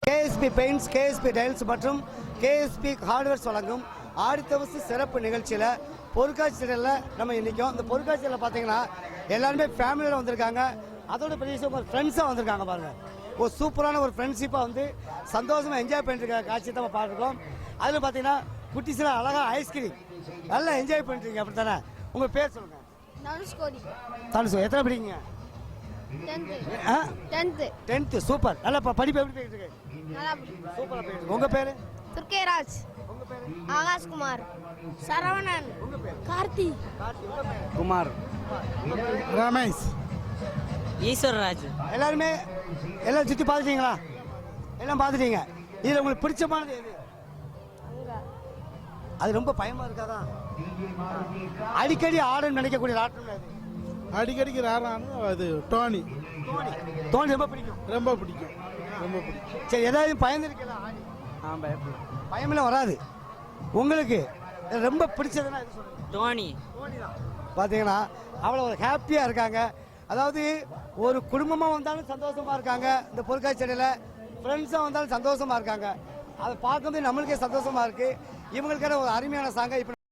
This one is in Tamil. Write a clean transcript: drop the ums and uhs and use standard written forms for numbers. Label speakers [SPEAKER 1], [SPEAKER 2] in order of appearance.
[SPEAKER 1] கேஎஸ்பி பெயிண்ட்ஸ், கேஎஸ்பி டைல்ஸ் மற்றும் கேஎஸ்பி ஹார்ட்வேர்ஸ் வழங்கும் ஆடித்தவசு சிறப்பு நிகழ்ச்சியில் பொருட்காட்சியில் நம்ம இன்றைக்கும் இந்த பொருட்காட்சியில் பார்த்தீங்கன்னா எல்லாருமே ஃபேமிலியில் வந்திருக்காங்க. அதோட பெரிய விஷயம் ஒரு ஃப்ரெண்ட்ஸாக வந்திருக்காங்க பாருங்கள். ஒரு சூப்பரான ஒரு ஃப்ரெண்ட்ஷிப்பாக வந்து சந்தோஷமாக என்ஜாய் பண்ணிட்டு இருக்க காட்சியை தான் பார்த்துருக்கோம். அதில் பார்த்தீங்கன்னா குட்டிஸில் அழகாக ஐஸ்கிரீம் நல்லா என்ஜாய் பண்ணிட்டுருக்கீங்க. அப்படி தானே? உங்கள் பேர் சொல்லுங்கள். தனுஷ். எத்தனை படிக்கீங்க? 10th. சூப்பர். நல்லா படிப்பு எப்படி போயிட்டு இருக்கு? சூப்பராக போயிட்டு இருக்கு. உங்கள் பேர்?
[SPEAKER 2] துர்கேராஜ்.
[SPEAKER 1] உங்கள் பேர்?
[SPEAKER 2] ஆகாஷ்குமார். சரவணன்.
[SPEAKER 1] உங்கள் பேர்?
[SPEAKER 2] கார்த்தி.
[SPEAKER 3] குமார். ரமேஷ்.
[SPEAKER 4] ஈஸ்வரராஜ்.
[SPEAKER 1] எல்லாருமே எல்லாம் சுற்றி பார்த்துட்டீங்களா? எல்லாம் பார்த்துட்டீங்க. இதில் உங்களுக்கு பிடிச்சமானது எது? அது ரொம்ப பயமா இருக்காதா? அடிக்கடி ஆடன்னு நினைக்கக்கூடிய ஆட்டம் அது.
[SPEAKER 3] அடிக்கடிக்கு ஆடுறானு அது டோனி.
[SPEAKER 1] தோனி ரொம்ப பிடிக்கும்.
[SPEAKER 3] ரொம்ப பிடிக்கும். ரொம்ப பிடிக்கும்.
[SPEAKER 1] சரி, ஏதாவது பயந்துருக்கலாம்? பயமெல்லாம் வராது. உங்களுக்கு ரொம்ப பிடிச்சதுன்னா எது சொல்லுங்க?
[SPEAKER 4] டோனி.
[SPEAKER 1] பார்த்தீங்கன்னா அவ்வளோ ஒரு ஹாப்பியாக இருக்காங்க. அதாவது ஒரு குடும்பமாக வந்தாலும் சந்தோஷமாக இருக்காங்க. இந்த பொருட்காட்சியில் ஃப்ரெண்ட்ஸாக வந்தாலும் சந்தோஷமாக இருக்காங்க. அதை பார்க்கும்போது நம்மளுக்கே சந்தோஷமாக இருக்குது. இவங்களுக்கான ஒரு அருமையான சாங்கை இப்போ